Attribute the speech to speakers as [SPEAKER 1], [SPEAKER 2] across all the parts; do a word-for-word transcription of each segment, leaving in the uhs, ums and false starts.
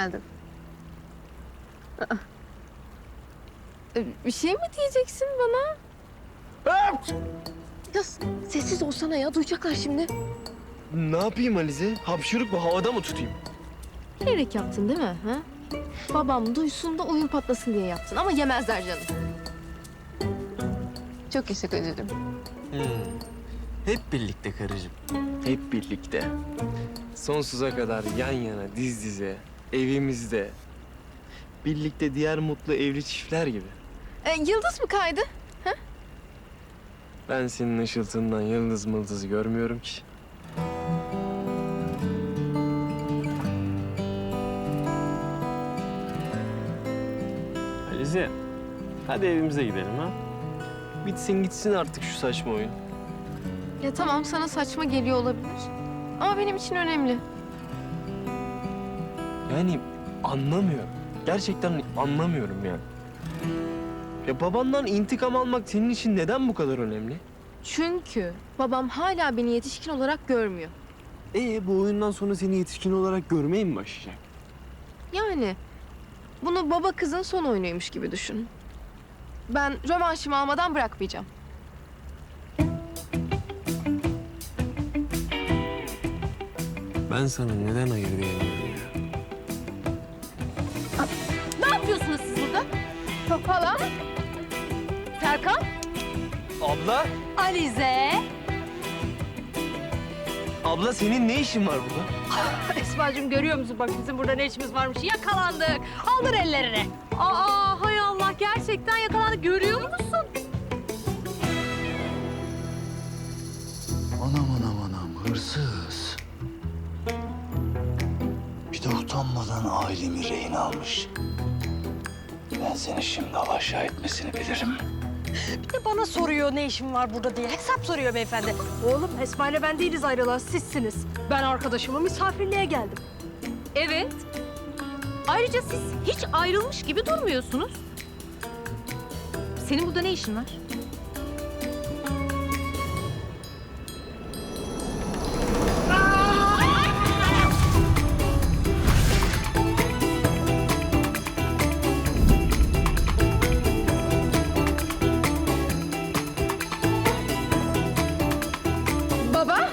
[SPEAKER 1] geldin. Aa. Ee, Bir şey mi diyeceksin bana? Ya sessiz olsana ya, duyacaklar şimdi.
[SPEAKER 2] Ne yapayım Alize? Hapşırık mı? Havada mı tutayım?
[SPEAKER 1] Bilerek yaptın değil mi? Ha? Babam duysun da oyun patlasın diye yaptın ama yemezler canım. Çok yaşa kocacığım.
[SPEAKER 2] Hmm. Hep birlikte karıcığım. Hep birlikte. Sonsuza kadar yan yana, diz dize, evimizde. Birlikte diğer mutlu evli çiftler gibi.
[SPEAKER 1] Ee, yıldız mı kaydı?
[SPEAKER 2] Ben senin ışıltından yıldız mıldız görmüyorum ki. Alize, hadi evimize gidelim ha. Bitsin gitsin artık şu saçma oyun.
[SPEAKER 1] Ya tamam, sana saçma geliyor olabilir. Ama benim için önemli.
[SPEAKER 2] Yani anlamıyorum. Gerçekten anlamıyorum yani. Ya babandan intikam almak senin için neden bu kadar önemli?
[SPEAKER 1] Çünkü babam hala beni yetişkin olarak görmüyor.
[SPEAKER 2] Ee bu oyundan sonra seni yetişkin olarak görmeye mi başlayacak?
[SPEAKER 1] Yani bunu baba kızın son oyunuymuş gibi düşün. Ben rövanşımı almadan bırakmayacağım.
[SPEAKER 2] Ben sana neden hayır diyemiyorum ya?
[SPEAKER 1] Ne yapıyorsunuz siz burada? Hala? Serkan?
[SPEAKER 2] Abla,
[SPEAKER 3] Alize.
[SPEAKER 2] abla senin ne işin var burada?
[SPEAKER 3] Esma'cığım görüyor musun bak bizim burada ne işimiz varmış. Yakalandık. Aldır ellerini. Aa hay Allah gerçekten yakalandık. Görüyor musun?
[SPEAKER 4] Anam anam anam hırsız. Bir de utanmadan ailemi rehin almış. Ben seni şimdi alaşağı etmesini bilirim.
[SPEAKER 3] Bir de bana soruyor ne işim var burada diye. Hesap soruyor beyefendi. Oğlum Esma ile ben değiliz ayrılan sizsiniz. Ben arkadaşımı misafirliğe geldim.
[SPEAKER 5] Evet. Ayrıca siz hiç ayrılmış gibi durmuyorsunuz. Senin burada ne işin var?
[SPEAKER 1] Baba?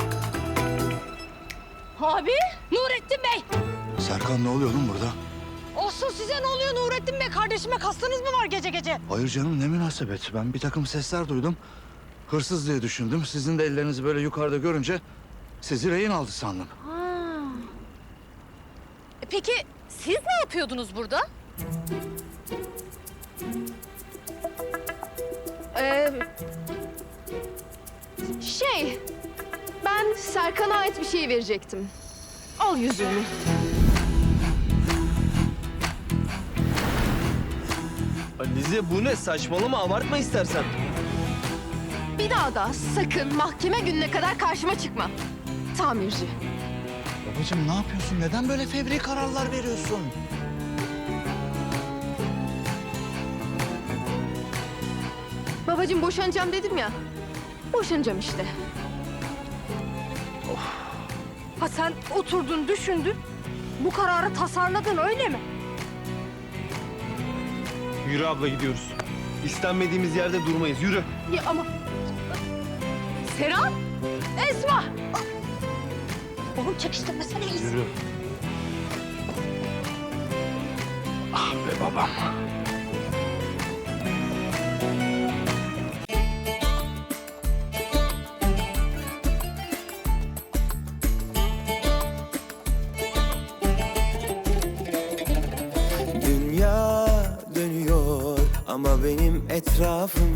[SPEAKER 3] Abi Nurettin Bey.
[SPEAKER 4] Serkan ne oluyor oğlum burada?
[SPEAKER 3] Olsun size ne oluyor Nurettin Bey? Kardeşime kastınız mı var gece gece?
[SPEAKER 4] Hayır canım ne münasebet. Ben bir takım sesler duydum. Hırsız diye düşündüm. Sizin de ellerinizi böyle yukarıda görünce sizi rehin aldı sandım.
[SPEAKER 5] Peki siz ne yapıyordunuz burada?
[SPEAKER 1] Ee, şey, ben Serkan'a ait bir şey verecektim. Al yüzüğünü.
[SPEAKER 2] Alize bu ne? Saçmalama, abartma istersen.
[SPEAKER 1] Bir daha da sakın mahkeme gününe kadar karşıma çıkma. Tamirci.
[SPEAKER 4] Babacığım ne yapıyorsun? Neden böyle fevri kararlar veriyorsun?
[SPEAKER 1] Babacığım boşanacağım dedim ya. Boşanacağım işte.
[SPEAKER 3] Ha sen oturdun düşündün. Bu kararı tasarladın öyle mi?
[SPEAKER 2] Yürü abla gidiyoruz. İstenmediğimiz yerde durmayız. Yürü.
[SPEAKER 3] Ya ama... Serap! Esma! Oğlum çekiştirmesene iyisin.
[SPEAKER 2] Yürü.
[SPEAKER 4] Ah be babam.
[SPEAKER 6] Dünya dönüyor ama benim etrafım